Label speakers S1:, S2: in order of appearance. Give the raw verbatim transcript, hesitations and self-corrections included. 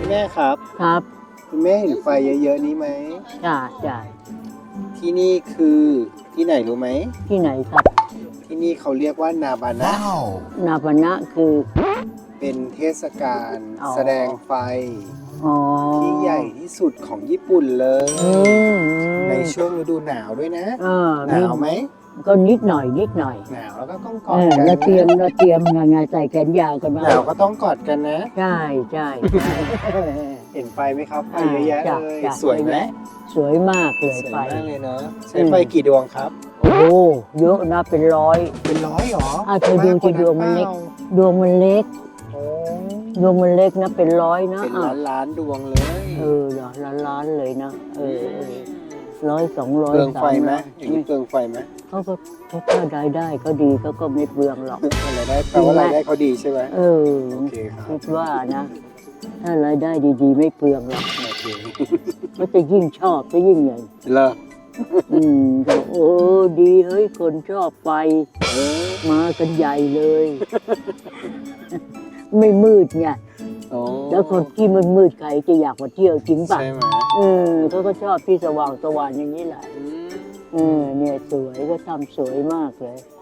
S1: แม่ครับ
S2: ครับ
S1: คุณแม่เห็นไฟเยอะๆนี้ไหม
S2: จ้าจ้า
S1: ที่นี่คือที่ไหนรู้ไหม
S2: ที่ไหนครับ
S1: ที่นี่เขาเรียกว่านาบานะ
S2: นาปนะคือ
S1: เป็นเทศกาล
S2: อ๋อ
S1: แสดงไฟ
S2: อ๋อ
S1: ที่ใหญ่ที่สุดของญี่ปุ่นเลย
S2: อืม
S1: ในช่วงฤดูหนาวด้วยนะ
S2: เออ
S1: หนาวไหม
S2: ก็นิดหน่อยนิดหน่อย
S1: หนาวแล้วก็ต้องก
S2: เอ
S1: อด
S2: อ
S1: กัน
S2: เราเตรียม
S1: นะ
S2: เราเตรียมยังไงใส่แขนยาวกันมา
S1: หนาวก็ต้องกอดกันนะ
S2: ใช่ใช่ใช่
S1: เห็นไฟไหมครับไฟเยอะแยะ
S2: จ้
S1: เลย
S2: จ้
S1: สวยไหม
S2: สวยมากเลย
S1: สวย
S2: ไฟ
S1: มากเลยเนาะใช้ไฟกี่ดวงครับ
S2: โอ้โหเยอะนะเป็นร้อย
S1: เป็นร้อยหรอ
S2: อ่ะเธอดูที่ดวงมันเล็ก ดวงมันเล็ก
S1: โอ้
S2: ดวงมันเล็กนะเป็นร้อยนะ
S1: เป็น
S2: อ่ะ
S1: ล้านล้านๆดวงเลย
S2: เออเหรอล้านล้านๆเลยนะเออเออร้อยสองร้อย
S1: เปลืองไฟ
S2: สาม
S1: ไหม
S2: ร้อย
S1: อย่างนี้เปลืองไฟไหม
S2: เขาก็เขาก็รายได้เขาดีเขาก็ไม่เปลืองหรอก
S1: รายได้แปลว่ารายได้เขาดีใช่ไหม
S2: เออ
S1: โอเคครับ
S2: คิดว่านะ ถ้ารายได้ดีๆ ไม่เปลืองหรอก
S1: โอเค
S2: ก็จะยิ่งชอบจะยิ่งใหญ่
S1: เลิก
S2: อืมก็โอ้ดีเฮ้ยคนชอบไฟ
S1: เออ
S2: มากันใหญ่เลย ไม่มืดไง
S1: โอ้
S2: แล้วคนที่มันมืดใครจะอยากมาเที่ยวจริงป่ะ
S1: ใช่ไหม
S2: เออเขาก็ชอบที่สว่างสว่างอย่างนี้แหละ
S1: อืม
S2: เออเนี่ยสวยก็ทำสวยมากเลย